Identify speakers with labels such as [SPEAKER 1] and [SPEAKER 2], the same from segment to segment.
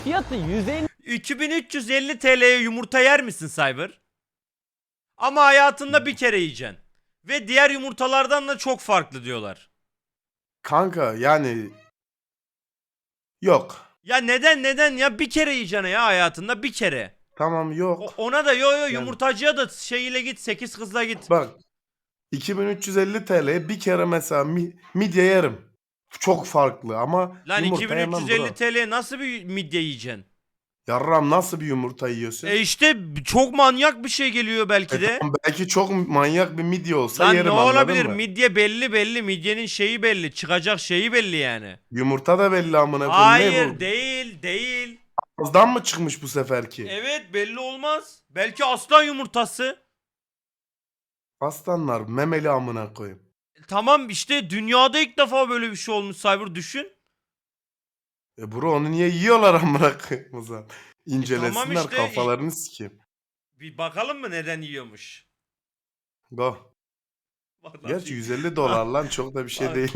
[SPEAKER 1] Fiyatı 150
[SPEAKER 2] 2350 TL'ye yumurta yer misin Cyber? Ama hayatında bir kere yiyeceksin. Ve diğer yumurtalardan da çok farklı diyorlar.
[SPEAKER 3] Kanka yani yok.
[SPEAKER 2] Ya neden ya bir kere yiyeceksin ya hayatında bir kere.
[SPEAKER 3] Tamam yok.
[SPEAKER 2] Ona da yo yumurtacıya da şeyiyle git 8 kızla git.
[SPEAKER 3] Bak 2350 TL'ye bir kere mesela midye yerim. Çok farklı ama
[SPEAKER 2] Lan
[SPEAKER 3] yumurta yemem
[SPEAKER 2] 2350
[SPEAKER 3] bro.
[SPEAKER 2] TL'ye nasıl bir midye yiyeceksin?
[SPEAKER 3] Yarram nasıl bir yumurta yiyorsun?
[SPEAKER 2] İşte çok manyak bir şey geliyor belki de.
[SPEAKER 3] Tamam, belki çok manyak bir midye olsa
[SPEAKER 2] Lan ne
[SPEAKER 3] yerim, anladın
[SPEAKER 2] olabilir?
[SPEAKER 3] mı?
[SPEAKER 2] Midye belli. Midyenin şeyi belli. Çıkacak şeyi belli yani.
[SPEAKER 3] Yumurta da belli amına koyayım. Ne
[SPEAKER 2] Hayır
[SPEAKER 3] bu?
[SPEAKER 2] değil.
[SPEAKER 3] Ağızdan mı çıkmış bu seferki?
[SPEAKER 2] Evet belli olmaz. Belki aslan yumurtası.
[SPEAKER 3] Aslanlar memeli amına koyayım.
[SPEAKER 2] Tamam işte dünyada ilk defa böyle bir şey olmuş Cyber düşün.
[SPEAKER 3] Bro onu niye yiyorlar amına koyayım o zaman? İncelesinler
[SPEAKER 2] tamam işte,
[SPEAKER 3] kafalarını sikeyim.
[SPEAKER 2] Bir bakalım mı neden yiyormuş?
[SPEAKER 3] Go.
[SPEAKER 2] Vallahi
[SPEAKER 3] Gerçi 150 dolar lan çok da bir şey değil.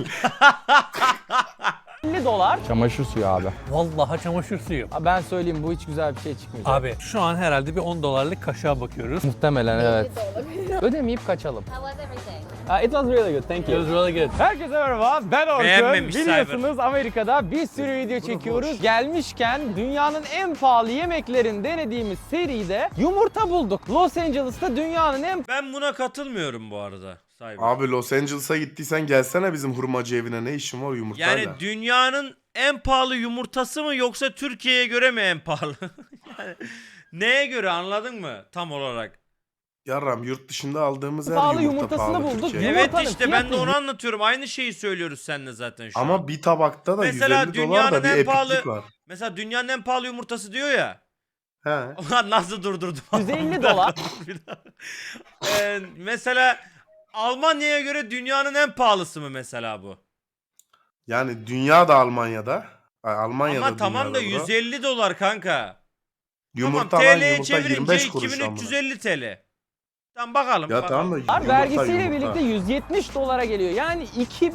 [SPEAKER 1] dolar. Çamaşır suyu abi.
[SPEAKER 4] Vallahi çamaşır suyu.
[SPEAKER 1] Ben söyleyeyim bu hiç güzel bir şey çıkmayacak.
[SPEAKER 4] Abi şu an herhalde bir 10 dolarlık kaşığa bakıyoruz.
[SPEAKER 1] Muhtemelen evet. Ödemeyip kaçalım.
[SPEAKER 5] How was everything?
[SPEAKER 1] It was really good, thank
[SPEAKER 4] It
[SPEAKER 1] you.
[SPEAKER 4] was really good.
[SPEAKER 1] Herkese merhaba, ben Orkun.
[SPEAKER 2] Beğenmemiş
[SPEAKER 1] Biliyorsunuz Amerika'da bir sürü video çekiyoruz. Gelmişken dünyanın en pahalı yemeklerini denediğimiz seride yumurta bulduk. Los Angeles'ta dünyanın en
[SPEAKER 2] Ben buna katılmıyorum bu arada Cyber.
[SPEAKER 3] Abi Los Angeles'a gittiysen gelsene bizim hurmacı evine, ne işin var yumurtayla?
[SPEAKER 2] Yani dünyanın en pahalı yumurtası mı yoksa Türkiye'ye göre mi en pahalı? Yani neye göre anladın mı tam olarak?
[SPEAKER 3] Yarram yurt dışında aldığımız her
[SPEAKER 1] pahalı
[SPEAKER 3] yumurta
[SPEAKER 1] yumurtasını
[SPEAKER 3] pahalı
[SPEAKER 1] bulduk.
[SPEAKER 3] Türkiye'de.
[SPEAKER 2] Evet
[SPEAKER 1] Yumurtanın
[SPEAKER 2] işte ben de
[SPEAKER 1] fiyatı
[SPEAKER 2] onu anlatıyorum. Aynı şeyi söylüyoruz seninle zaten şu an.
[SPEAKER 3] Ama bir tabakta da
[SPEAKER 2] Mesela
[SPEAKER 3] 150 dolar
[SPEAKER 2] dünyanın
[SPEAKER 3] da bir
[SPEAKER 2] en
[SPEAKER 3] epiklik
[SPEAKER 2] pahalı-
[SPEAKER 3] var.
[SPEAKER 2] Mesela dünyanın en pahalı yumurtası diyor ya.
[SPEAKER 3] He.
[SPEAKER 2] Ulan nasıl durdurdum?
[SPEAKER 1] 150 dolar.
[SPEAKER 2] Bir daha. Mesela Almanya'ya göre dünyanın en pahalısı mı mesela bu?
[SPEAKER 3] Yani dünya da Almanya'da. Almanya'da
[SPEAKER 2] Ama tamam da
[SPEAKER 3] dünyada bro.
[SPEAKER 2] 150 dolar kanka.
[SPEAKER 3] Yumurta
[SPEAKER 2] tamam
[SPEAKER 3] lan
[SPEAKER 2] TL'ye
[SPEAKER 3] yumurta
[SPEAKER 2] çevirince
[SPEAKER 3] 25 kuruş amına.
[SPEAKER 2] 2350 TL. Tamam bakalım.
[SPEAKER 3] Ya
[SPEAKER 2] bakalım.
[SPEAKER 3] tamam da yumurta,
[SPEAKER 1] Vergisiyle
[SPEAKER 3] yumurta.
[SPEAKER 1] birlikte 170 dolara geliyor. Yani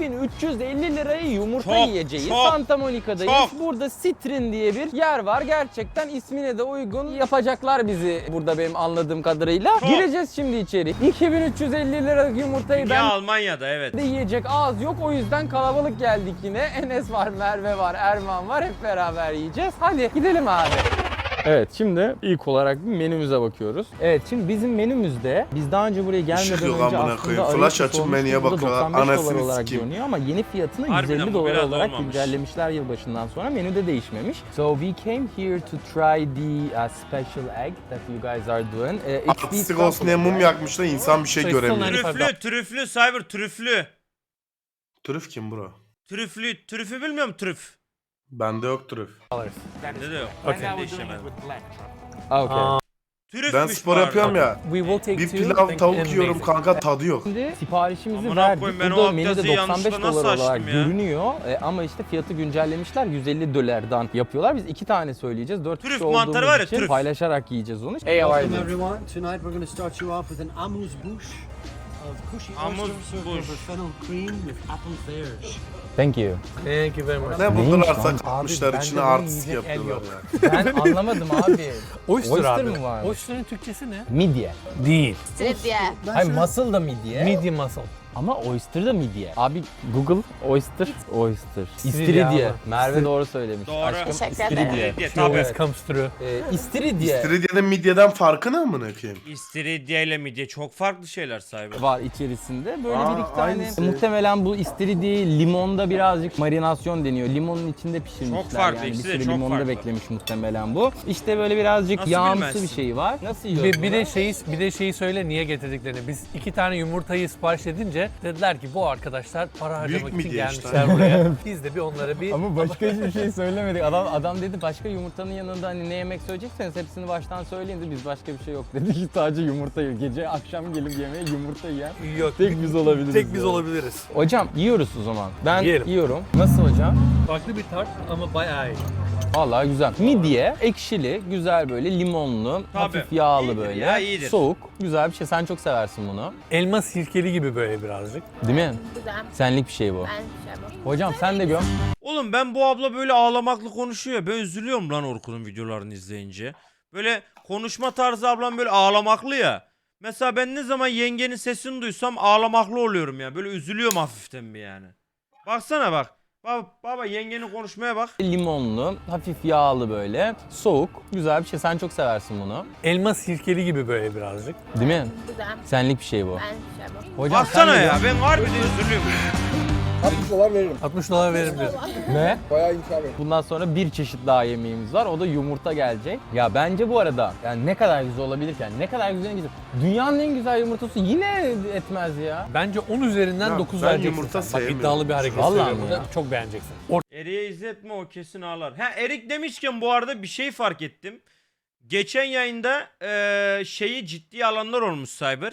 [SPEAKER 1] 2350 liraya yumurta
[SPEAKER 2] Çok,
[SPEAKER 1] yiyeceğiz.
[SPEAKER 2] çok,
[SPEAKER 1] Santa Monica'dayız.
[SPEAKER 2] çok.
[SPEAKER 1] Burada Citrin diye bir yer var. Gerçekten ismine de uygun yapacaklar bizi burada benim anladığım kadarıyla.
[SPEAKER 2] Çok.
[SPEAKER 1] Gireceğiz şimdi içeri. 2350 liralık yumurtayı
[SPEAKER 2] Dünya
[SPEAKER 1] ben
[SPEAKER 2] Almanya'da evet.
[SPEAKER 1] de yiyecek ağız yok. O yüzden kalabalık geldik yine. Enes var, Merve var, Erman var. Hep beraber yiyeceğiz. Hadi gidelim abi. Evet şimdi ilk olarak bir menümüze bakıyoruz. Evet şimdi bizim menümüzde biz daha önce buraya gelmeden
[SPEAKER 3] Işık yok
[SPEAKER 1] önce
[SPEAKER 3] amına
[SPEAKER 1] aslında
[SPEAKER 3] koyayım.
[SPEAKER 1] arayıp
[SPEAKER 3] Flash açıp
[SPEAKER 1] sormuştuk.
[SPEAKER 3] menüye
[SPEAKER 1] Burada
[SPEAKER 3] bakıyorlar.
[SPEAKER 1] 95 dolar
[SPEAKER 3] Anasını
[SPEAKER 1] olarak
[SPEAKER 3] sikeyim.
[SPEAKER 1] görünüyor ama yeni fiyatını
[SPEAKER 2] Harbiden
[SPEAKER 1] 150
[SPEAKER 2] bu
[SPEAKER 1] dolar
[SPEAKER 2] biraz
[SPEAKER 1] olarak
[SPEAKER 2] olmamış.
[SPEAKER 1] güncellemişler yılbaşından sonra. Menüde değişmemiş. So we came here to try the special egg that you guys are doing. It's
[SPEAKER 3] Artistik
[SPEAKER 1] beef
[SPEAKER 3] olsun diye mum
[SPEAKER 1] truffle,
[SPEAKER 3] yakmışlar, insan bir şey
[SPEAKER 4] Sayısal
[SPEAKER 3] göremiyor.
[SPEAKER 2] Trüflü Cyber trüflü.
[SPEAKER 3] Trüf kim bro?
[SPEAKER 2] Trüfü bilmiyor musun trüf?
[SPEAKER 3] Bende yok trüf.
[SPEAKER 2] Bende de yok.
[SPEAKER 4] Okay.
[SPEAKER 2] Ben de işemedim.
[SPEAKER 1] Ah, okay.
[SPEAKER 2] Trüfmüş
[SPEAKER 3] Ben spor
[SPEAKER 2] bu
[SPEAKER 3] yapıyorum
[SPEAKER 2] arada.
[SPEAKER 3] ya.
[SPEAKER 4] We will take
[SPEAKER 3] Bir
[SPEAKER 4] two,
[SPEAKER 3] pilav
[SPEAKER 4] thank you,
[SPEAKER 3] tavuk
[SPEAKER 4] and
[SPEAKER 3] yiyorum
[SPEAKER 4] amazing.
[SPEAKER 3] kanka, tadı yok.
[SPEAKER 1] Şimdi siparişimizi
[SPEAKER 2] Amına
[SPEAKER 1] verdik.
[SPEAKER 2] koyayım, ben o
[SPEAKER 1] Burada menüde
[SPEAKER 2] abdesti
[SPEAKER 1] 95
[SPEAKER 2] yanlışlıkla
[SPEAKER 1] dolar
[SPEAKER 2] nasıl
[SPEAKER 1] olarak
[SPEAKER 2] açtım ya?
[SPEAKER 1] görünüyor. Ama işte fiyatı güncellemişler. 150 dolardan yapıyorlar. Biz 2 tane söyleyeceğiz. 4
[SPEAKER 2] Trüf
[SPEAKER 1] kişi
[SPEAKER 2] mantarı
[SPEAKER 1] olduğumuz
[SPEAKER 2] var ya,
[SPEAKER 1] için
[SPEAKER 2] trüf.
[SPEAKER 1] paylaşarak yiyeceğiz onu. Hey, how are you?
[SPEAKER 6] Welcome everyone. Tonight we're going to start you off with an amuse-bouche of cushy oyster served
[SPEAKER 2] Amuse-bouche.
[SPEAKER 6] over fennel cream with apple pears.
[SPEAKER 1] Thank you.
[SPEAKER 4] Thank you very much.
[SPEAKER 3] Ne
[SPEAKER 1] Neymiş
[SPEAKER 3] buldularsa
[SPEAKER 1] lan?
[SPEAKER 3] katmışlar
[SPEAKER 4] Abi,
[SPEAKER 3] içine,
[SPEAKER 4] bende bunun
[SPEAKER 3] artistik
[SPEAKER 4] yiyecek el
[SPEAKER 3] yapıyorlar
[SPEAKER 4] yok.
[SPEAKER 3] ya.
[SPEAKER 1] Ben anlamadım abi.
[SPEAKER 4] Oyster abi.
[SPEAKER 1] mi var?
[SPEAKER 4] Oyster'ın Türkçesi ne?
[SPEAKER 1] Midye.
[SPEAKER 4] Değil.
[SPEAKER 5] Istiridye.
[SPEAKER 1] Hayır, muscle da midye.
[SPEAKER 4] Medium muscle.
[SPEAKER 1] Ama oyster da midye. Abi Google oyster.
[SPEAKER 4] İstiridye
[SPEAKER 1] İstiridye.
[SPEAKER 4] abi.
[SPEAKER 1] Merve doğru söylemiş.
[SPEAKER 2] Doğru.
[SPEAKER 1] Aşkım
[SPEAKER 5] Teşekkür
[SPEAKER 1] istiridye.
[SPEAKER 5] ederim.
[SPEAKER 2] Diye,
[SPEAKER 4] She
[SPEAKER 2] tabii.
[SPEAKER 4] always comes through.
[SPEAKER 1] İstiridye
[SPEAKER 3] İstiridye'nin midyeden farkı ne amına koyayım?
[SPEAKER 2] İstiridye ile midye çok farklı şeyler Cyber.
[SPEAKER 1] var içerisinde. Böyle
[SPEAKER 3] Aa,
[SPEAKER 1] bir iki tane.
[SPEAKER 3] aynısı.
[SPEAKER 1] Muhtemelen bu istiridyeyi limonda birazcık marinasyon deniyor. Limonun içinde pişirmişler.
[SPEAKER 2] Çok farklı,
[SPEAKER 1] yani. Bir
[SPEAKER 2] ikisi de
[SPEAKER 1] sürü
[SPEAKER 2] çok
[SPEAKER 1] limonda
[SPEAKER 2] farklı.
[SPEAKER 1] beklemiş muhtemelen bu. İşte böyle birazcık
[SPEAKER 2] Nasıl
[SPEAKER 1] yağımsı
[SPEAKER 2] bilmezsin?
[SPEAKER 1] bir şey var. Nasıl yiyoruz
[SPEAKER 4] Bir de şeyi söyle niye getirdiklerini. Biz 2 tane yumurtayı sipariş edince dediler ki bu arkadaşlar para harcamak
[SPEAKER 3] Büyük
[SPEAKER 4] için
[SPEAKER 3] midye işte.
[SPEAKER 4] gelmişler buraya. Biz de bir onlara bir
[SPEAKER 1] Ama başka hiçbir şey söylemedik. Adam dedi başka yumurtanın yanında hani ne yemek söyleyecekseniz hepsini baştan söyleyin de biz başka bir şey yok dedik. Sadece yumurta yiyor. Gece akşam gelip yemeğe yumurta yiyen
[SPEAKER 4] yok.
[SPEAKER 1] tek biz olabiliriz.
[SPEAKER 4] Tek biz
[SPEAKER 1] yani.
[SPEAKER 4] olabiliriz.
[SPEAKER 1] Hocam yiyoruz o zaman. Ben
[SPEAKER 4] Yiyelim.
[SPEAKER 1] yiyorum. Nasıl hocam?
[SPEAKER 4] Farklı bir tat ama bayağı iyi.
[SPEAKER 1] Vallahi güzel. Midye, ekşili, güzel böyle limonlu,
[SPEAKER 2] Tabii.
[SPEAKER 1] hafif yağlı
[SPEAKER 2] İyidir
[SPEAKER 1] böyle.
[SPEAKER 2] ya, iyidir.
[SPEAKER 1] Soğuk, güzel bir şey. Sen çok seversin bunu.
[SPEAKER 4] Elma sirkeli gibi böyle birazcık.
[SPEAKER 1] Değil mi?
[SPEAKER 5] Güzel.
[SPEAKER 1] Senlik bir şey bu.
[SPEAKER 5] Ben şey yapmam.
[SPEAKER 1] Hocam sen de göm.
[SPEAKER 2] Oğlum ben bu abla böyle ağlamaklı konuşuyor. Ben üzülüyorum lan Orkun'un videolarını izleyince. Böyle konuşma tarzı ablam böyle ağlamaklı ya. Mesela ben ne zaman yengenin sesini duysam ağlamaklı oluyorum ya. Böyle üzülüyorum hafiften bir yani. Baksana bak. Baba yengenin konuşmaya bak.
[SPEAKER 1] Limonlu, hafif yağlı böyle. Soğuk. Güzel bir şey. Sen çok seversin bunu.
[SPEAKER 4] Elma sirkeli gibi böyle birazcık.
[SPEAKER 1] Değil mi?
[SPEAKER 5] Güzel.
[SPEAKER 1] Senlik bir şey bu.
[SPEAKER 5] Ben şey bu.
[SPEAKER 1] Hocam
[SPEAKER 2] Baksana
[SPEAKER 1] sen de
[SPEAKER 2] ya
[SPEAKER 1] göm.
[SPEAKER 2] ben harbiden üzülüyorum.
[SPEAKER 4] 60 dolar veririm diyor.
[SPEAKER 1] Ne? Bundan sonra bir çeşit daha yemeğimiz var. O da yumurta gelecek. Ya bence bu arada yani ne kadar güzel olabilirken, ne kadar güzel en güzel. Dünyanın en güzel yumurtası yine etmez ya.
[SPEAKER 4] Bence 10 üzerinden
[SPEAKER 3] Ya
[SPEAKER 4] 9
[SPEAKER 3] ben
[SPEAKER 4] vereceksin
[SPEAKER 3] yumurta
[SPEAKER 4] sen. Bak
[SPEAKER 3] sevmiyorum.
[SPEAKER 4] iddialı bir hareket
[SPEAKER 1] Vallahi
[SPEAKER 4] söylüyorum.
[SPEAKER 1] mi ya?
[SPEAKER 4] Çok beğeneceksin.
[SPEAKER 2] Erik'e izletme o kesin ağlar. Ha Erik demişken bu arada bir şey fark ettim. Geçen yayında şeyi ciddiye alanlar olmuş Cyber.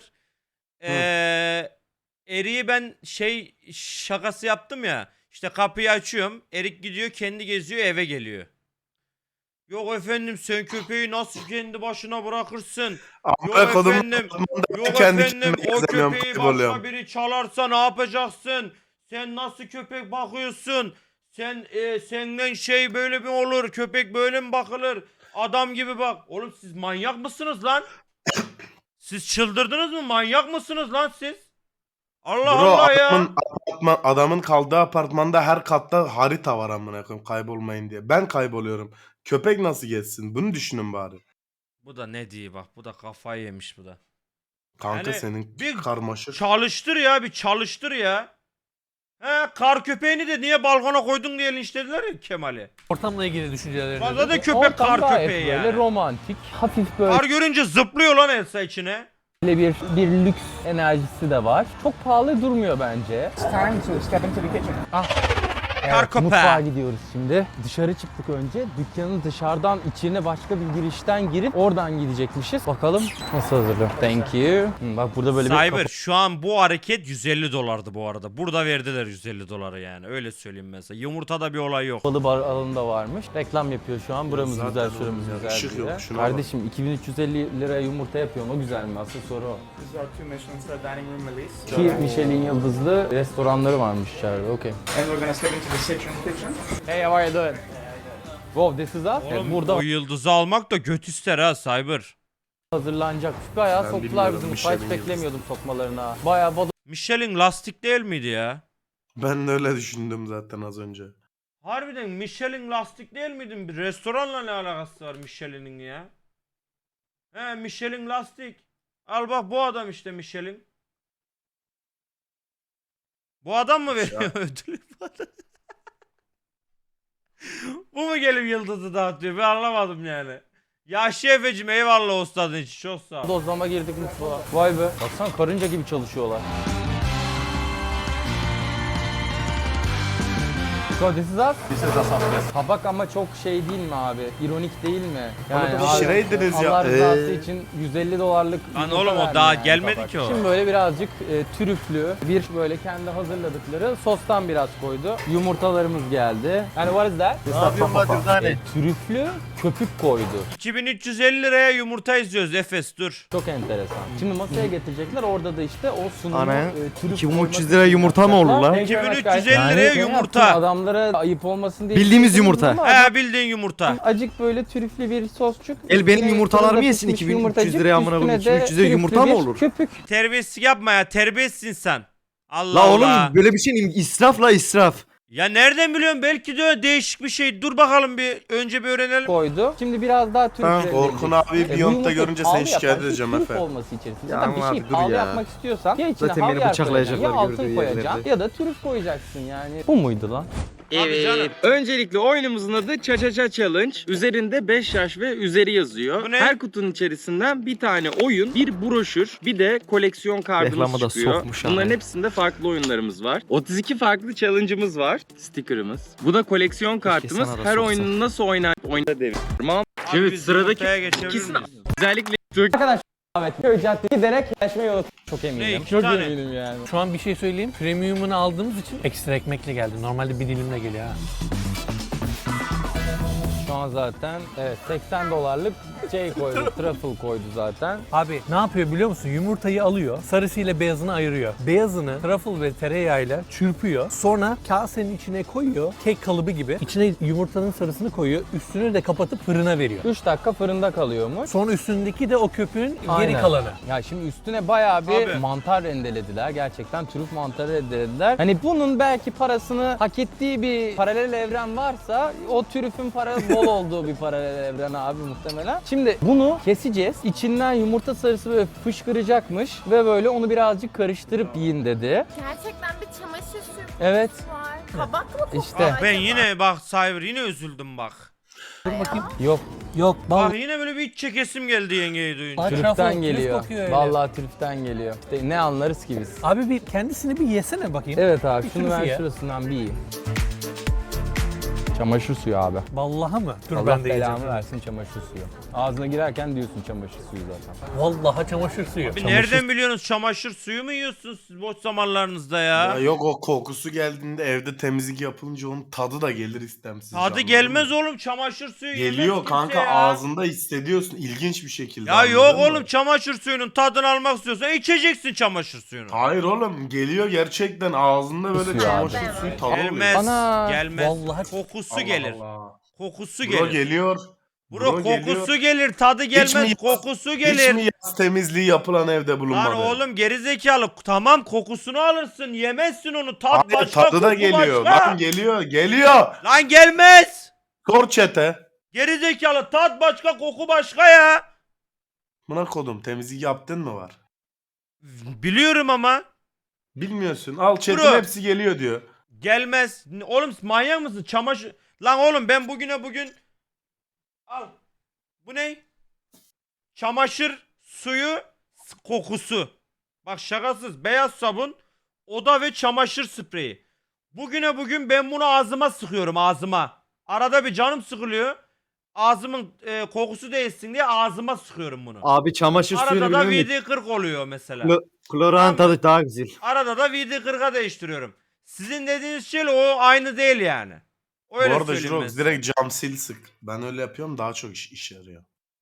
[SPEAKER 2] Erik'i ben şey şakası yaptım ya. İşte kapıyı açıyorum. Erik gidiyor kendi geziyor eve geliyor. Yok efendim sen köpeği nasıl kendi başına bırakırsın? Yok
[SPEAKER 3] Amına kodumun
[SPEAKER 2] efendim. Yok
[SPEAKER 3] kendi
[SPEAKER 2] efendim
[SPEAKER 3] kendime
[SPEAKER 2] o
[SPEAKER 3] gezemiyorum,
[SPEAKER 2] köpeği
[SPEAKER 3] kayboluyorum.
[SPEAKER 2] başka biri çalarsa ne yapacaksın? Sen nasıl köpek bakıyorsun? Senden şey böyle mi olur? Köpek böyle mi bakılır? Adam gibi bak. Oğlum siz manyak mısınız lan? Siz çıldırdınız mı? Manyak mısınız lan siz? Allah
[SPEAKER 3] Bro,
[SPEAKER 2] Allah ya.
[SPEAKER 3] adamın kaldığı apartmanda her katta harita var amına koyayım kaybolmayın diye. Ben kayboluyorum. Köpek nasıl geçsin? Bunu düşünün bari.
[SPEAKER 2] Bu da ne diye bak. Bu da kafayı yemiş bu da.
[SPEAKER 3] Kanka
[SPEAKER 2] Yani
[SPEAKER 3] senin
[SPEAKER 2] bir
[SPEAKER 3] karmaşık.
[SPEAKER 2] Çalıştır ya bir çalıştır ya. He kar köpeğini de niye balkona koydun diye linçlediler ya Kemal'i.
[SPEAKER 4] Ortamla ilgili düşüncelerini.
[SPEAKER 2] Fazla da
[SPEAKER 4] de-
[SPEAKER 2] köpek
[SPEAKER 1] Ortam
[SPEAKER 2] kar
[SPEAKER 1] gayet
[SPEAKER 2] köpeği
[SPEAKER 1] böyle
[SPEAKER 2] yani.
[SPEAKER 1] romantik, hafif böyle
[SPEAKER 2] Kar görünce zıplıyor lan Elsa içine.
[SPEAKER 1] bir lüks enerjisi de var. Çok pahalı durmuyor bence.
[SPEAKER 2] Kar köpeği.
[SPEAKER 1] Mutfağa gidiyoruz şimdi. Dışarı çıktık önce. Dükkanın dışarıdan içine başka bir girişten girip oradan gidecekmişiz. Bakalım nasıl hazırlıyor. Thank you. Bak burada böyle bir
[SPEAKER 2] Cyber şu an bu hareket 150 dolardı bu arada. Burada verdiler 150 doları yani. Öyle söyleyeyim mesela. Yumurtada bir olay yok.
[SPEAKER 1] kapalı bar alanında varmış. Reklam yapıyor şu an. Buramız
[SPEAKER 3] Zaten
[SPEAKER 1] güzel,
[SPEAKER 3] oğlum
[SPEAKER 1] şuramız
[SPEAKER 3] ya,
[SPEAKER 1] güzel
[SPEAKER 3] ışık
[SPEAKER 1] diye.
[SPEAKER 3] yok, şuna bak.
[SPEAKER 1] Kardeşim 2350 liraya yumurta yapıyorum. O güzel mi? Asıl soru o.
[SPEAKER 7] These are 2 Michelin star dining room release.
[SPEAKER 1] Ki Michelin yıldızlı restoranları varmış içeride. Okay.
[SPEAKER 7] And we're gonna step into the kitchen.
[SPEAKER 1] Hey, how are you doing? Wow, this is us. Evet,
[SPEAKER 2] Oğlum
[SPEAKER 1] burada
[SPEAKER 2] o yıldızı almak da göt ister ha Cyber.
[SPEAKER 1] hazırlanacak. Bayağı
[SPEAKER 3] Ben
[SPEAKER 1] soktular
[SPEAKER 3] bilmiyorum,
[SPEAKER 1] bizim.
[SPEAKER 3] Michelin
[SPEAKER 1] Hiç
[SPEAKER 3] yıldızı.
[SPEAKER 1] beklemiyordum sokmalarına. Bayağı
[SPEAKER 2] Michelin lastik değil miydi ya?
[SPEAKER 3] Ben de öyle düşündüm zaten az önce.
[SPEAKER 2] Harbiden Michelin lastik değil miydi? Bir restoranla ne alakası var Michelin'in ya? He Michelin lastik. Al bak bu adam işte Michelin. Bu adam mı veriyor ödülü bana? Bu mu gelip yıldızı dağıtıyor? Ben anlamadım yani. Ya Efe'cim eyvallah ustadın için çok sağ ol.
[SPEAKER 1] dozlama girdik mutfağa. Vay be. Baksana karınca gibi çalışıyorlar. So this is us?
[SPEAKER 7] This is us.
[SPEAKER 1] Tabak ama çok şey değil mi abi? İronik değil mi? Yani
[SPEAKER 3] Onu da
[SPEAKER 1] abi,
[SPEAKER 3] pişireydiniz ya.
[SPEAKER 1] Allah rızası için 150 dolarlık
[SPEAKER 2] Lan
[SPEAKER 1] yumurta
[SPEAKER 2] oğlum o
[SPEAKER 1] verme
[SPEAKER 2] daha
[SPEAKER 1] yani
[SPEAKER 2] gelmedi
[SPEAKER 1] tabak.
[SPEAKER 2] ki o.
[SPEAKER 1] Şimdi böyle birazcık trüflü bir böyle kendi hazırladıkları sostan biraz koydu. Yumurtalarımız geldi. Yani what is that? Trüflü köpük koydu.
[SPEAKER 2] 2350 liraya yumurta izliyoruz Efes dur.
[SPEAKER 1] Çok enteresan. Şimdi masaya getirecekler. Orada da işte o sunumu
[SPEAKER 8] Ana,
[SPEAKER 1] trüf
[SPEAKER 8] 2300
[SPEAKER 1] koyması
[SPEAKER 8] lira yumurta mı olur lan?
[SPEAKER 1] Thank you very much,
[SPEAKER 2] 2350
[SPEAKER 1] guys.
[SPEAKER 2] liraya
[SPEAKER 1] şey
[SPEAKER 2] yumurta.
[SPEAKER 1] yaptım, adamlara ayıp olmasın diye.
[SPEAKER 8] Bildiğimiz
[SPEAKER 1] düşündüm
[SPEAKER 8] yumurta.
[SPEAKER 1] ama
[SPEAKER 2] He bildiğin yumurta.
[SPEAKER 1] acık böyle trüflü bir sosçuk.
[SPEAKER 8] El benim
[SPEAKER 1] Üstüne
[SPEAKER 8] yumurtalarımı
[SPEAKER 1] fırında
[SPEAKER 8] yesin,
[SPEAKER 1] pişmiş
[SPEAKER 8] 2300
[SPEAKER 1] yumurtacık,
[SPEAKER 8] liraya amına koyayım,
[SPEAKER 1] üstüne de
[SPEAKER 8] 2300 liraya yumurta
[SPEAKER 1] trüflü
[SPEAKER 8] mı
[SPEAKER 1] bir
[SPEAKER 8] olur?
[SPEAKER 1] Köpük.
[SPEAKER 2] Terbiyesizlik yapma ya terbiyesizsin sen. Allah
[SPEAKER 8] La
[SPEAKER 2] Allah.
[SPEAKER 8] oğlum böyle bir şey israf la israf.
[SPEAKER 2] Ya nereden biliyorsun belki de değişik bir şey. Dur bakalım bir önce bir öğrenelim.
[SPEAKER 1] Koydu. Şimdi biraz daha
[SPEAKER 3] Tamam,
[SPEAKER 1] trüfle
[SPEAKER 3] Orkun abi Beyond'da görünce seni şikayet edeceğim
[SPEAKER 1] Trüf
[SPEAKER 3] Efe.
[SPEAKER 1] olması içerisinde.
[SPEAKER 8] Ya
[SPEAKER 1] Zaten bir
[SPEAKER 8] ama
[SPEAKER 1] şey
[SPEAKER 8] abi dur
[SPEAKER 1] pahalı
[SPEAKER 8] ya.
[SPEAKER 1] yapmak istiyorsan ya içine
[SPEAKER 8] Zaten beni
[SPEAKER 1] havyar
[SPEAKER 8] bıçaklayacaklar
[SPEAKER 1] koyacaksın, ya altın
[SPEAKER 8] gördüğü
[SPEAKER 1] koyacaksın
[SPEAKER 8] yerlerde.
[SPEAKER 1] ya da trüf koyacaksın yani. Bu muydu lan?
[SPEAKER 2] Abi canım.
[SPEAKER 9] Evet. Öncelikle oyunumuzun adı Cha Cha Cha Challenge. Üzerinde 5 yaş ve üzeri yazıyor.
[SPEAKER 2] Bu ne?
[SPEAKER 9] Her kutunun içerisinden bir tane oyun, bir broşür, bir de koleksiyon kartımız
[SPEAKER 8] Reklamı da
[SPEAKER 9] çıkıyor.
[SPEAKER 8] sokmuş ama.
[SPEAKER 9] Bunların hepsinde farklı oyunlarımız var. 32 farklı challenge'ımız var. Sticker'ımız. Bu da koleksiyon kartımız.
[SPEAKER 8] sana da
[SPEAKER 9] Her
[SPEAKER 8] soksa.
[SPEAKER 9] oyunun nasıl oynadığını deviriyorum.
[SPEAKER 2] Abi
[SPEAKER 9] Evet,
[SPEAKER 2] biz
[SPEAKER 9] sıradaki
[SPEAKER 2] yumurtaya geçebilir
[SPEAKER 9] ikisini
[SPEAKER 2] miyiz?
[SPEAKER 9] özellikle
[SPEAKER 1] Arkadaşlar Ahmet Köy Caddesi giderek yaşmayı unut. Çok eminim.
[SPEAKER 2] Ne, iki
[SPEAKER 1] Çok
[SPEAKER 2] tane?
[SPEAKER 1] eminim yani.
[SPEAKER 4] Şu an bir şey söyleyeyim. Premium'unu aldığımız için ekstra ekmekle geldi. Normalde bir dilimle geliyor ha.
[SPEAKER 1] Şu an zaten evet $80 şey koydu, truffle koydu zaten.
[SPEAKER 4] Abi ne yapıyor biliyor musun? Yumurtayı alıyor, sarısıyla beyazını ayırıyor. Beyazını truffle ve tereyağıyla çırpıyor. Sonra kasenin içine koyuyor, kek kalıbı gibi. İçine yumurtanın sarısını koyuyor, üstünü de kapatıp fırına veriyor.
[SPEAKER 1] 3 dakika fırında kalıyormuş.
[SPEAKER 4] Sonra üstündeki de o köpüğün geri
[SPEAKER 1] Aynen.
[SPEAKER 4] kalanı.
[SPEAKER 1] Ya şimdi üstüne bayağı bir
[SPEAKER 2] Tabii.
[SPEAKER 1] mantar rendelediler. Gerçekten trüf mantarı rendelediler. Hani bunun belki parasını hak ettiği bir paralel evren varsa o trüfün parası bol olduğu bir paralel evren abi muhtemelen. Şimdi bunu keseceğiz. İçinden yumurta sarısı böyle fışkıracakmış ve böyle onu birazcık karıştırıp yiyin dedi.
[SPEAKER 5] Gerçekten bir çamaşır suyu
[SPEAKER 1] Evet.
[SPEAKER 5] var. Kabak mı kokuyor
[SPEAKER 1] İşte.
[SPEAKER 5] acaba?
[SPEAKER 2] Ben yine bak Cyber yine üzüldüm bak.
[SPEAKER 4] Dur bakayım.
[SPEAKER 1] Yok,
[SPEAKER 4] Yok,
[SPEAKER 2] Bak yine böyle bir iç çekesim geldi yengeyi duyunca.
[SPEAKER 4] Ay,
[SPEAKER 1] trüften
[SPEAKER 4] truffle, trüf
[SPEAKER 1] geliyor.
[SPEAKER 4] kokuyor öyle.
[SPEAKER 1] Vallahi trüften geliyor. İşte ne anlarız ki biz.
[SPEAKER 4] Abi bir kendisini bir yesene bakayım.
[SPEAKER 1] Evet abi
[SPEAKER 4] Bir
[SPEAKER 1] şunu
[SPEAKER 4] trüfü
[SPEAKER 1] ben
[SPEAKER 4] ye.
[SPEAKER 1] şurasından bir yiyeyim. Çamaşır suyu abi.
[SPEAKER 4] Vallahi mı? Dur
[SPEAKER 1] Allah
[SPEAKER 4] ben de
[SPEAKER 1] belamı
[SPEAKER 4] yiyeceğim.
[SPEAKER 1] versin çamaşır suyu. Ağzına girerken diyorsun çamaşır suyu zaten.
[SPEAKER 4] Vallahi çamaşır suyu.
[SPEAKER 2] Bir nereden biliyorsunuz çamaşır suyu mu yiyorsunuz siz boş zamanlarınızda ya?
[SPEAKER 3] Ya yok o kokusu geldiğinde evde temizlik yapılınca onun tadı da gelir istemsiz.
[SPEAKER 2] Tadı
[SPEAKER 3] anladın
[SPEAKER 2] gelmez
[SPEAKER 3] mı?
[SPEAKER 2] oğlum çamaşır suyu yemez
[SPEAKER 3] Geliyor
[SPEAKER 2] kimse
[SPEAKER 3] kanka
[SPEAKER 2] ya.
[SPEAKER 3] ağzında hissediyorsun ilginç bir şekilde.
[SPEAKER 2] Ya
[SPEAKER 3] anladın
[SPEAKER 2] yok
[SPEAKER 3] mı?
[SPEAKER 2] oğlum çamaşır suyunun tadını almak istiyorsan içeceksin çamaşır suyunu.
[SPEAKER 3] Hayır oğlum geliyor gerçekten ağzında böyle
[SPEAKER 1] Suyu
[SPEAKER 3] çamaşır
[SPEAKER 5] abi.
[SPEAKER 3] suyu tadı
[SPEAKER 2] Gelmez,
[SPEAKER 3] oluyor.
[SPEAKER 1] Ana,
[SPEAKER 2] gelmez.
[SPEAKER 4] vallahi-
[SPEAKER 2] Kokusu
[SPEAKER 3] Allah
[SPEAKER 2] gelir.
[SPEAKER 3] Allah.
[SPEAKER 2] Kokusu
[SPEAKER 3] Bro
[SPEAKER 2] gelir.
[SPEAKER 3] geliyor.
[SPEAKER 2] Bro kokusu
[SPEAKER 3] geliyor.
[SPEAKER 2] gelir, tadı gelmez,
[SPEAKER 3] mi-
[SPEAKER 2] kokusu
[SPEAKER 3] Hiç
[SPEAKER 2] gelir.
[SPEAKER 3] mi yaz temizliği yapılan evde bulunmadı?
[SPEAKER 2] Lan oğlum gerizekalı tamam kokusunu alırsın yemezsin onu tat
[SPEAKER 3] Hayır,
[SPEAKER 2] başka
[SPEAKER 3] tadı da
[SPEAKER 2] koku
[SPEAKER 3] geliyor.
[SPEAKER 2] başka.
[SPEAKER 3] Lan geliyor.
[SPEAKER 2] Lan gelmez.
[SPEAKER 3] Sor chat'e.
[SPEAKER 2] Gerizekalı tat başka koku başka ya.
[SPEAKER 3] Buna kodum temizlik yaptın mı var?
[SPEAKER 2] Biliyorum ama
[SPEAKER 3] Bilmiyorsun. Al chat'in
[SPEAKER 2] Bro.
[SPEAKER 3] hepsi geliyor diyor.
[SPEAKER 2] gelmez. Oğlum manyak mısın? Çamaşır... Lan oğlum ben bugün... Al. Bu ne? Çamaşır suyu kokusu. Bak şakasız. Beyaz sabun, oda ve çamaşır spreyi. Bugün ben bunu ağzıma sıkıyorum ağzıma. Arada bir canım sıkılıyor. Ağzımın kokusu değilsin diye ağzıma sıkıyorum bunu.
[SPEAKER 8] Abi çamaşır suyunu
[SPEAKER 2] Arada da
[SPEAKER 8] biliyor musun?
[SPEAKER 2] VD40 oluyor mesela.
[SPEAKER 8] Kloran tadı daha güzel.
[SPEAKER 2] Arada da VD40'a değiştiriyorum. Sizin dediğiniz şeyle o aynı değil yani. Öyle
[SPEAKER 3] Bu arada
[SPEAKER 2] söyleyeyim ben
[SPEAKER 3] Jirox
[SPEAKER 2] size.
[SPEAKER 3] direkt cam sil sık. Ben öyle yapıyorum daha çok iş yarıyor.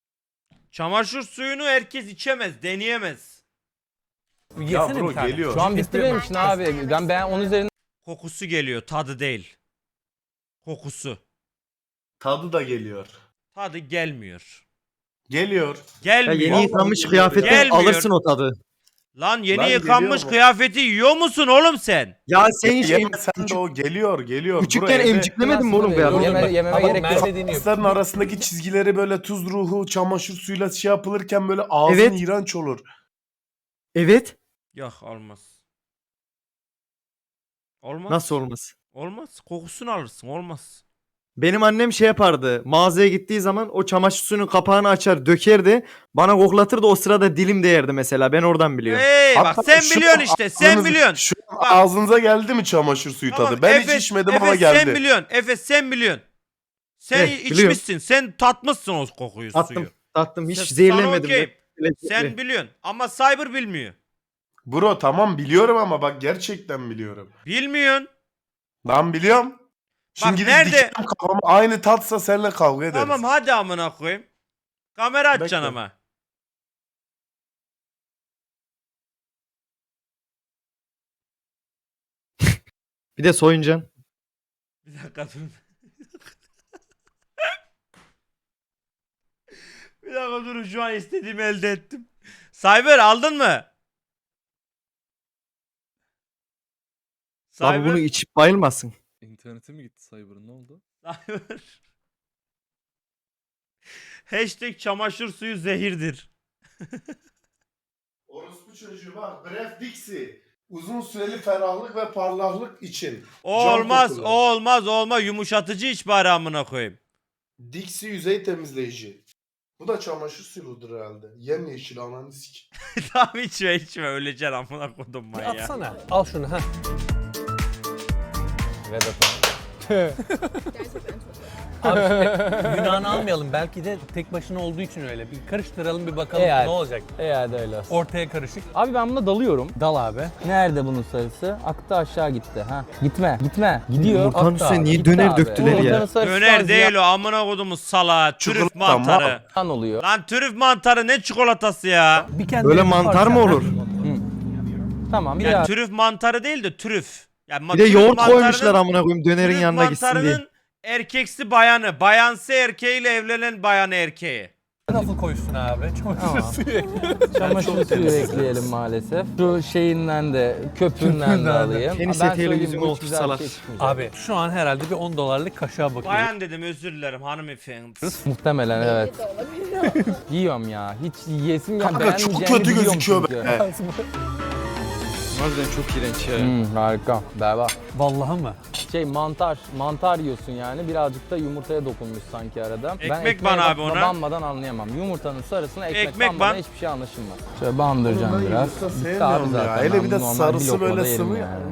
[SPEAKER 2] Çamaşır suyunu herkes içemez, deneyemez.
[SPEAKER 4] Yesene
[SPEAKER 3] Ya bro
[SPEAKER 4] bir tane.
[SPEAKER 3] geliyor.
[SPEAKER 1] Şu an bitti benim için abi. Ben onun üzerine
[SPEAKER 2] Kokusu geliyor, tadı değil. Kokusu.
[SPEAKER 3] Tadı da geliyor.
[SPEAKER 2] Tadı gelmiyor.
[SPEAKER 3] Geliyor.
[SPEAKER 8] Ya
[SPEAKER 2] Gelmiyor.
[SPEAKER 8] yeni yıkanmış kıyafetten
[SPEAKER 2] Gelmiyor.
[SPEAKER 8] alırsın o tadı.
[SPEAKER 2] Lan yeni
[SPEAKER 3] Lan
[SPEAKER 2] yıkanmış
[SPEAKER 3] geliyor mu?
[SPEAKER 2] kıyafeti yiyor musun oğlum sen?
[SPEAKER 8] Ya sen hiç
[SPEAKER 3] Yemesen de o geliyor.
[SPEAKER 8] küçükken emciklemedin mi oğlum
[SPEAKER 1] Dur,
[SPEAKER 8] kıyafeti?
[SPEAKER 1] yememe
[SPEAKER 4] Bak,
[SPEAKER 1] gerek yok.
[SPEAKER 4] Merve deniyor.
[SPEAKER 3] Pasların arasındaki çizgileri böyle tuz ruhu, çamaşır suyuyla şey yapılırken böyle ağzın
[SPEAKER 8] Evet.
[SPEAKER 3] iğrenç olur.
[SPEAKER 8] Evet.
[SPEAKER 2] Yok olmaz. Olmaz.
[SPEAKER 8] Nasıl olmaz?
[SPEAKER 2] Olmaz. Kokusunu alırsın. Olmaz.
[SPEAKER 8] Benim annem şey yapardı. Mağazaya gittiği zaman o çamaşır suyunun kapağını açar, dökerdi. Bana koklatırdı. O sırada dilim değerdi mesela. Ben oradan biliyorum.
[SPEAKER 2] Hey bak
[SPEAKER 3] Hatta
[SPEAKER 2] sen
[SPEAKER 3] şu
[SPEAKER 2] biliyorsun
[SPEAKER 3] an
[SPEAKER 2] işte. Sen
[SPEAKER 3] ağzınız-
[SPEAKER 2] biliyorsun.
[SPEAKER 3] Şu an ağzınıza geldi mi çamaşır suyu
[SPEAKER 2] Tamam,
[SPEAKER 3] tadı? Ben hiç
[SPEAKER 2] Efe-
[SPEAKER 3] içmedim
[SPEAKER 2] Efe,
[SPEAKER 3] ama geldi.
[SPEAKER 2] sen biliyorsun. Efe sen biliyorsun. Sen
[SPEAKER 8] Biliyorum.
[SPEAKER 2] içmişsin. Sen tatmışsın o kokuyu, suyu.
[SPEAKER 8] Tattım. Hiç
[SPEAKER 2] Sana
[SPEAKER 8] zehirlenmedim.
[SPEAKER 2] okey.
[SPEAKER 8] Lezzetli.
[SPEAKER 2] Sen biliyorsun. Ama Cyber bilmiyor.
[SPEAKER 3] Bro tamam biliyorum ama bak gerçekten biliyorum.
[SPEAKER 2] Bilmiyorsun.
[SPEAKER 3] Ben biliyorum. Şimdi
[SPEAKER 2] Bak
[SPEAKER 3] gidip
[SPEAKER 2] nerede-
[SPEAKER 3] dikerim kafama aynı tatsa seninle kavga ederiz.
[SPEAKER 2] Tamam hadi amına koyayım. Kamera açacaksın
[SPEAKER 3] Bekle.
[SPEAKER 2] ama.
[SPEAKER 8] Bir de soyuncan.
[SPEAKER 2] Bir dakika durun. Bir dakika durun şu an istediğimi elde ettim. Cyber aldın mı?
[SPEAKER 8] Abi bunu içip bayılmasın.
[SPEAKER 10] İnternete mi gitti Cyber'ın, ne oldu?
[SPEAKER 2] Cyber. Hashtag çamaşır suyu zehirdir.
[SPEAKER 3] Orospu çocuğu bak Bref Dixie. Uzun süreli ferahlık ve parlaklık için.
[SPEAKER 2] O
[SPEAKER 3] Cam
[SPEAKER 2] olmaz,
[SPEAKER 3] kokulu.
[SPEAKER 2] o olmaz. Yumuşatıcı iç bari amına koyayım.
[SPEAKER 3] Dixie yüzey temizleyici. Bu da çamaşır suyudur herhalde. Yemyeşil ananı sik.
[SPEAKER 2] Tamam içme öleceksin amına koydum
[SPEAKER 4] Bir
[SPEAKER 2] ben ya.
[SPEAKER 4] atsana. Al şunu ha.
[SPEAKER 1] Vedat abi.
[SPEAKER 5] Gerçekten çok iyi.
[SPEAKER 4] Abi şimdi günahını almayalım. Belki de tek başına olduğu için öyle. Bir karıştıralım bir bakalım
[SPEAKER 1] Eğer-
[SPEAKER 4] ne olacak.
[SPEAKER 1] Eğer de öyle olsun.
[SPEAKER 4] Ortaya karışık.
[SPEAKER 1] Abi ben buna dalıyorum.
[SPEAKER 4] Dal abi.
[SPEAKER 1] Nerede bunun sarısı? Aktı aşağı gitti. Ha. Gitme. Gidiyor.
[SPEAKER 8] Yumurtanın
[SPEAKER 1] Aktı
[SPEAKER 8] üstüne
[SPEAKER 1] abi.
[SPEAKER 8] niye
[SPEAKER 1] Gitti
[SPEAKER 8] döner
[SPEAKER 1] abi.
[SPEAKER 8] döktüler ya?
[SPEAKER 1] Yumurtanın sarısı
[SPEAKER 2] Döner değil o amına kodumuz salağı. Trüf
[SPEAKER 3] Çikolata
[SPEAKER 2] mantarı.
[SPEAKER 1] ziyan oluyor.
[SPEAKER 2] Lan trüf mantarı ne çikolatası ya?
[SPEAKER 4] Bir kendine
[SPEAKER 8] Böyle
[SPEAKER 4] bir
[SPEAKER 8] mantar
[SPEAKER 4] parça-
[SPEAKER 8] mı olur?
[SPEAKER 1] Tamam bir
[SPEAKER 2] Yani
[SPEAKER 1] daha.
[SPEAKER 2] trüf mantarı değil de trüf. Yani
[SPEAKER 8] Bir de
[SPEAKER 2] trüf
[SPEAKER 8] yoğurt
[SPEAKER 2] mantarının-
[SPEAKER 8] koymuşlar amına koyayım dönerin
[SPEAKER 2] trüf
[SPEAKER 8] yanına gitsin diye.
[SPEAKER 2] mantarının erkeksi bayanı, bayansı erkeğiyle evlenen bayanı erkeği.
[SPEAKER 4] Truffle koysun abi. Çamaşır
[SPEAKER 1] Tamam.
[SPEAKER 4] suyu.
[SPEAKER 1] Çamaşır suyu ekleyelim maalesef. Şu şeyinden de köpüğünden de alayım.
[SPEAKER 8] Tenis
[SPEAKER 1] Ben
[SPEAKER 8] eteğiyle
[SPEAKER 1] söyleyeyim,
[SPEAKER 8] yüzüme
[SPEAKER 1] bu hiç
[SPEAKER 8] olmuş
[SPEAKER 1] güzel bir
[SPEAKER 8] salak.
[SPEAKER 1] şey çıkmayacak.
[SPEAKER 4] Abi şu an herhalde bir $10 kaşığa bakıyoruz.
[SPEAKER 2] Bayan dedim özür dilerim hanımefendi.
[SPEAKER 1] Muhtemelen evet.
[SPEAKER 5] İyi de olabilir.
[SPEAKER 1] Yiyorum ya. Hiç yiyesim yok.
[SPEAKER 3] Kanka çok
[SPEAKER 1] Beğenmeyeceğimi
[SPEAKER 3] kötü
[SPEAKER 1] biliyorum
[SPEAKER 3] gözüküyor
[SPEAKER 1] çünkü.
[SPEAKER 3] be.
[SPEAKER 8] Harbiden çok iğrenç ya.
[SPEAKER 1] Harika. Berbat.
[SPEAKER 4] Vallahi mı?
[SPEAKER 1] Mantar yiyorsun yani. Birazcık da yumurtaya dokunmuş sanki arada.
[SPEAKER 2] Ekmek
[SPEAKER 1] ekmeğe
[SPEAKER 2] ban abi ona.
[SPEAKER 1] banmadan anlayamam. Yumurtanın sarısına ekmek,
[SPEAKER 2] Ekmek
[SPEAKER 1] banmadan
[SPEAKER 2] ban.
[SPEAKER 1] hiçbir şey anlaşılmaz. Şöyle bandıracağım
[SPEAKER 3] Oğlum ben
[SPEAKER 1] biraz.
[SPEAKER 3] yumurta
[SPEAKER 1] Bitti
[SPEAKER 3] sevmiyorum
[SPEAKER 1] abi
[SPEAKER 3] ya.
[SPEAKER 1] zaten.
[SPEAKER 3] Hele
[SPEAKER 1] Ben
[SPEAKER 3] bir de
[SPEAKER 1] bunu normal
[SPEAKER 3] sarısı
[SPEAKER 1] lokmada
[SPEAKER 3] böyle
[SPEAKER 1] yerim
[SPEAKER 3] sıvı ya.
[SPEAKER 1] yani.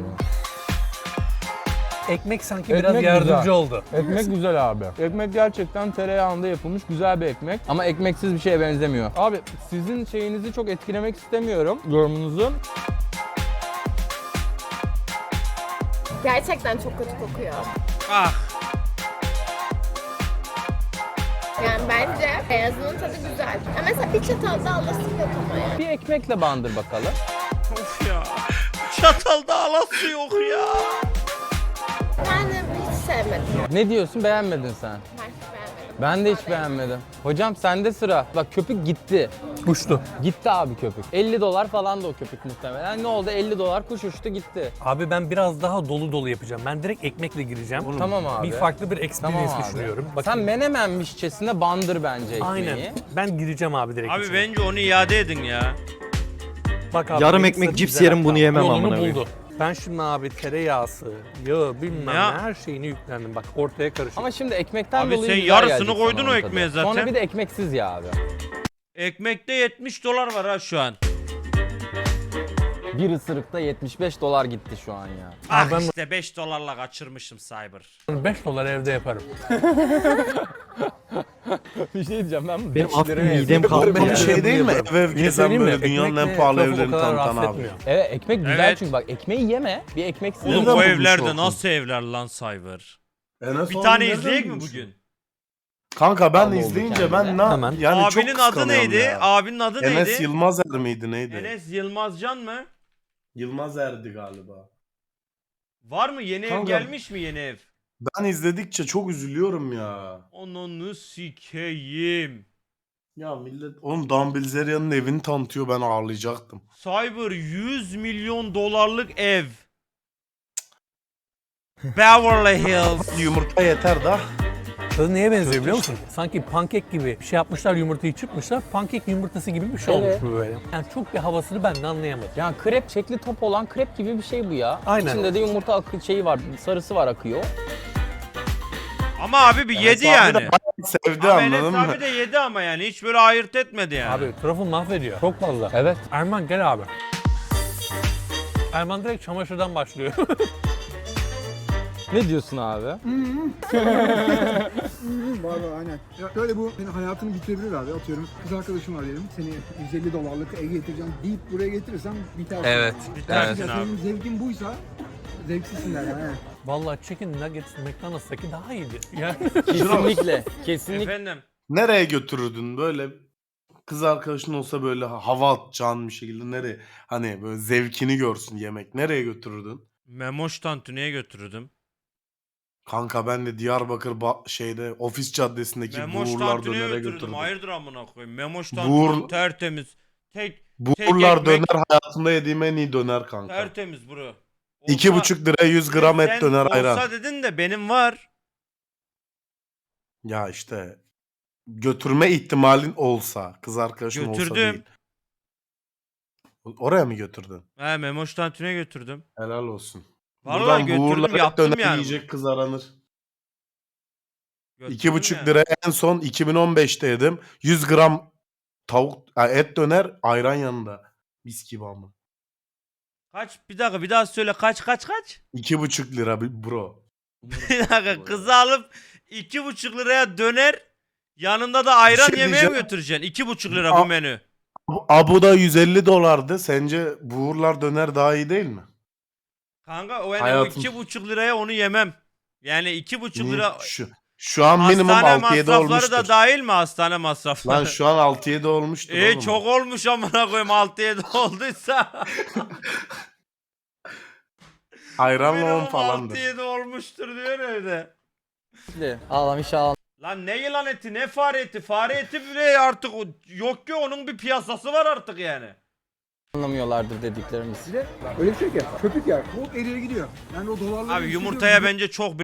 [SPEAKER 4] Ekmek sanki
[SPEAKER 1] Ekmek
[SPEAKER 4] biraz yardımcı
[SPEAKER 1] güzel.
[SPEAKER 4] oldu.
[SPEAKER 1] Ekmek güzel abi. Ekmek gerçekten tereyağında yapılmış güzel bir ekmek. Ama ekmeksiz bir şeye benzemiyor. Abi sizin şeyinizi çok etkilemek istemiyorum. Yorumunuzu.
[SPEAKER 5] Gerçekten çok kötü kokuyor.
[SPEAKER 2] Ah.
[SPEAKER 5] Yani bence beyazının tadı güzel. Ya mesela bir çatal da alasın yok ama yani.
[SPEAKER 1] Bir ekmekle bandır bakalım.
[SPEAKER 2] Of ya. Çatalda alası yok ya.
[SPEAKER 5] Ben de hiç sevmedim.
[SPEAKER 1] Ne diyorsun, beğenmedin sen?
[SPEAKER 5] Ben hiç beğenmedim.
[SPEAKER 1] Ben de hiç beğenmedim. Hocam sende sıra. Bak köpük gitti.
[SPEAKER 4] Uçtu.
[SPEAKER 1] Gitti abi köpük. $50 falan da o köpük muhtemelen. Ne oldu? $50 kuş uçtu gitti.
[SPEAKER 4] Abi ben biraz daha dolu dolu yapacağım. Ben direkt ekmekle gireceğim.
[SPEAKER 1] Tamam abi.
[SPEAKER 4] Bir farklı bir experience
[SPEAKER 1] Tamam abi.
[SPEAKER 4] düşünüyorum. Bakın.
[SPEAKER 1] Sen menemenmişçesine bandır bence ekmeği.
[SPEAKER 4] Aynen. Ben gireceğim abi direkt
[SPEAKER 2] Abi
[SPEAKER 4] içine.
[SPEAKER 2] bence onu iade edin ya.
[SPEAKER 4] Bak abi,
[SPEAKER 8] Yarım
[SPEAKER 4] benim
[SPEAKER 8] ekmek
[SPEAKER 4] sırrım
[SPEAKER 8] cips
[SPEAKER 4] güzel
[SPEAKER 8] yerim,
[SPEAKER 4] hatta.
[SPEAKER 8] bunu yemem
[SPEAKER 4] Yolunu
[SPEAKER 8] amına koyayım.
[SPEAKER 4] buldu. Ben şimdi abi tereyağısı, yağı bilmem
[SPEAKER 2] Ya.
[SPEAKER 4] ne her şeyini yüklendim. Bak ortaya karışık.
[SPEAKER 1] Ama şimdi ekmekten
[SPEAKER 2] Abi
[SPEAKER 1] dolayı
[SPEAKER 2] sen
[SPEAKER 1] güzel
[SPEAKER 2] yarısını
[SPEAKER 1] gelecek
[SPEAKER 2] koydun
[SPEAKER 1] sana
[SPEAKER 2] o
[SPEAKER 1] onun
[SPEAKER 2] ekmeğe
[SPEAKER 1] tadı.
[SPEAKER 2] zaten.
[SPEAKER 1] Sonra bir de ekmeksiz ya abi.
[SPEAKER 2] Ekmekte $70 var ha şu an.
[SPEAKER 1] Bir ısırıkta $75 gitti şu an ya.
[SPEAKER 2] Ah
[SPEAKER 4] ben-
[SPEAKER 2] işte $5'la kaçırmışım Cyber.
[SPEAKER 4] $5 evde yaparım.
[SPEAKER 1] Bir şey diyeceğim ben.
[SPEAKER 8] Benim
[SPEAKER 1] 5
[SPEAKER 8] hafif
[SPEAKER 1] liraya
[SPEAKER 8] midem
[SPEAKER 1] yedim.
[SPEAKER 8] kalktı
[SPEAKER 3] Bu
[SPEAKER 8] ya.
[SPEAKER 3] şey değil mi?
[SPEAKER 4] yaparım.
[SPEAKER 3] Ev ev
[SPEAKER 4] Bir şey
[SPEAKER 3] gezen
[SPEAKER 4] söyleyeyim mi?
[SPEAKER 3] böyle dünyanın en
[SPEAKER 4] Ekmekle
[SPEAKER 3] pahalı
[SPEAKER 4] truffle o
[SPEAKER 3] evlerini
[SPEAKER 4] kadar
[SPEAKER 3] tanıtan
[SPEAKER 4] rahatsız
[SPEAKER 3] abi.
[SPEAKER 4] etmiyor.
[SPEAKER 1] Evet ekmek güzel
[SPEAKER 2] Evet.
[SPEAKER 1] çünkü bak ekmeği yeme. Bir ekmeksiz.
[SPEAKER 2] Oğlum
[SPEAKER 3] Nereden
[SPEAKER 2] bu
[SPEAKER 3] bulmuş
[SPEAKER 2] evlerde
[SPEAKER 3] olsun?
[SPEAKER 2] nasıl evler lan Cyber?
[SPEAKER 3] Enes
[SPEAKER 2] Bir
[SPEAKER 3] abi
[SPEAKER 2] tane
[SPEAKER 3] nereden
[SPEAKER 2] izleyek mi
[SPEAKER 3] bulmuş?
[SPEAKER 2] bugün?
[SPEAKER 3] Kanka ben
[SPEAKER 1] Oldu
[SPEAKER 3] izleyince
[SPEAKER 1] kendine.
[SPEAKER 3] ben
[SPEAKER 4] Hemen.
[SPEAKER 3] yani çok
[SPEAKER 2] Abinin adı
[SPEAKER 3] kıskanıyorum
[SPEAKER 2] neydi?
[SPEAKER 3] ya.
[SPEAKER 2] Abinin adı
[SPEAKER 3] Enes
[SPEAKER 2] neydi?
[SPEAKER 3] Yılmazer miydi neydi?
[SPEAKER 2] Enes Yılmazcan mı?
[SPEAKER 3] Yılmazer'di galiba.
[SPEAKER 2] Var mı yeni ev
[SPEAKER 3] Kanka-
[SPEAKER 2] gelmiş mi yeni ev?
[SPEAKER 3] Ben izledikçe çok üzülüyorum ya.
[SPEAKER 2] Ananı sikeyim.
[SPEAKER 3] Ya millet oğlum Dan Bilzerian'ın evini tanıtıyor, ben ağlayacaktım.
[SPEAKER 2] Cyber $100 milyon ev. Beverly Hills.
[SPEAKER 3] Yumurta yeter da.
[SPEAKER 4] Tadı neye benziyor biliyor musun? Sanki pankek gibi bir şey yapmışlar, yumurtayı çırpmışlar. Pankek yumurtası gibi bir şey
[SPEAKER 1] Evet.
[SPEAKER 4] olmuş bu böyle. Yani çok bir havasını ben de anlayamadım.
[SPEAKER 1] Yani krep, şekli top olan krep gibi bir şey bu ya.
[SPEAKER 4] Aynen.
[SPEAKER 1] İçinde de yumurta şeyi var, sarısı var akıyor.
[SPEAKER 2] Ama abi bir yedi yani.
[SPEAKER 3] Sevdi
[SPEAKER 2] Ama Enes
[SPEAKER 3] anladın mı?
[SPEAKER 2] abi de yedi ama yani hiç böyle ayırt etmedi yani.
[SPEAKER 4] Abi truffle mahvediyor. Çok fazla.
[SPEAKER 1] Evet.
[SPEAKER 4] Erman gel abi. Erman direkt çamaşırdan başlıyor.
[SPEAKER 1] Ne diyorsun abi?
[SPEAKER 6] Var aynen. Ya böyle bu senin hayatını bitirebilir abi. Atıyorum kız arkadaşım var diyelim. Seni $150'lık ev getireceğim deyip buraya getirirsen bitersin.
[SPEAKER 1] Evet.
[SPEAKER 2] Bitersin
[SPEAKER 6] Ya
[SPEAKER 2] abi.
[SPEAKER 6] senin zevkin buysa zevksizsin der yani.
[SPEAKER 4] Vallahi chicken nuggets McDonald's'taki daha iyiydi. Yani
[SPEAKER 1] Kesinlikle. Kesinlikle.
[SPEAKER 2] Efendim.
[SPEAKER 3] Nereye götürürdün böyle kız arkadaşın olsa böyle hava atacağın bir şekilde nereye, hani böyle zevkini görsün yemek, nereye götürürdün?
[SPEAKER 2] Memoş Tantuni'ye götürürdüm.
[SPEAKER 3] Kanka ben de Diyarbakır şeyde Ofis Caddesi'ndeki
[SPEAKER 2] Memoş
[SPEAKER 3] Buğurlar
[SPEAKER 2] Tantuni'ye
[SPEAKER 3] Döner'e
[SPEAKER 2] götürürdüm.
[SPEAKER 3] götürdüm.
[SPEAKER 2] Hayırdır amına koyayım. Memoş
[SPEAKER 3] Buğur-
[SPEAKER 2] Tantuni tertemiz. Tek
[SPEAKER 3] Buğurlar
[SPEAKER 2] ekmek.
[SPEAKER 3] Döner hayatımda yediğim en iyi döner kanka.
[SPEAKER 2] tertemiz bro.
[SPEAKER 3] 2,5 liraya 100 gram
[SPEAKER 2] Sen
[SPEAKER 3] et döner ayran.
[SPEAKER 2] olsa dedin de benim var.
[SPEAKER 3] Ya işte götürme ihtimalin olsa, kız arkadaşın olsa
[SPEAKER 2] Götürdüm.
[SPEAKER 3] değil. Oraya mı götürdün?
[SPEAKER 2] He Memoş Tantuni'ye götürdüm.
[SPEAKER 3] Helal olsun.
[SPEAKER 2] Vallahi
[SPEAKER 3] Buradan
[SPEAKER 2] götürdüm,
[SPEAKER 3] Buğurlar et
[SPEAKER 2] yaptım
[SPEAKER 3] döner
[SPEAKER 2] yani
[SPEAKER 3] yiyecek kız aranır.
[SPEAKER 2] Götürdüm
[SPEAKER 3] 2,5
[SPEAKER 2] yani.
[SPEAKER 3] liraya en son 2015'te yedim. 100 gram et döner ayran yanında. Mis gibi ama.
[SPEAKER 2] Kaç? Bir dakika bir daha söyle. Kaç?
[SPEAKER 3] 2,5 lira bro.
[SPEAKER 10] Umarım
[SPEAKER 2] Bir dakika,
[SPEAKER 10] bu
[SPEAKER 2] kızı alıp 2,5 liraya döner, yanında da ayran
[SPEAKER 3] Bir şey
[SPEAKER 2] yemeğe mi
[SPEAKER 3] diyeceğim.
[SPEAKER 2] götüreceksin? 2,5 lira bu
[SPEAKER 3] A-
[SPEAKER 2] menü.
[SPEAKER 3] Abu da 150 dolardı. Sence buğurlar döner daha iyi değil mi?
[SPEAKER 2] Kanka o yani
[SPEAKER 3] Hayatım.
[SPEAKER 2] 2,5 liraya onu yemem. Yani 2,5
[SPEAKER 3] Niye?
[SPEAKER 2] lira
[SPEAKER 3] Şu an minimum
[SPEAKER 2] hastane
[SPEAKER 3] 6-7
[SPEAKER 2] masrafları
[SPEAKER 3] olmuştur.
[SPEAKER 2] da dahil mi hastane masrafları?
[SPEAKER 3] Lan şu an 6-7 olmuştur oğlum.
[SPEAKER 2] Çok olmuş amına koyayım, 6-7 olduysa.
[SPEAKER 3] Ayranla 10
[SPEAKER 2] Minimum
[SPEAKER 3] falandır.
[SPEAKER 2] 6-7 olmuştur diyor evde.
[SPEAKER 1] Ağlam inşallah
[SPEAKER 2] Lan ne yılan eti, ne fare eti? Fare eti bile artık yok ki, onun bir piyasası var artık yani.
[SPEAKER 1] anlamıyorlardır dediklerimiz.
[SPEAKER 6] Bir de öyle bir şey ki köpük ya. Hop eriye gidiyor. Yani o dolarları
[SPEAKER 2] Abi
[SPEAKER 6] hissediyorum.
[SPEAKER 2] yumurtaya bence çok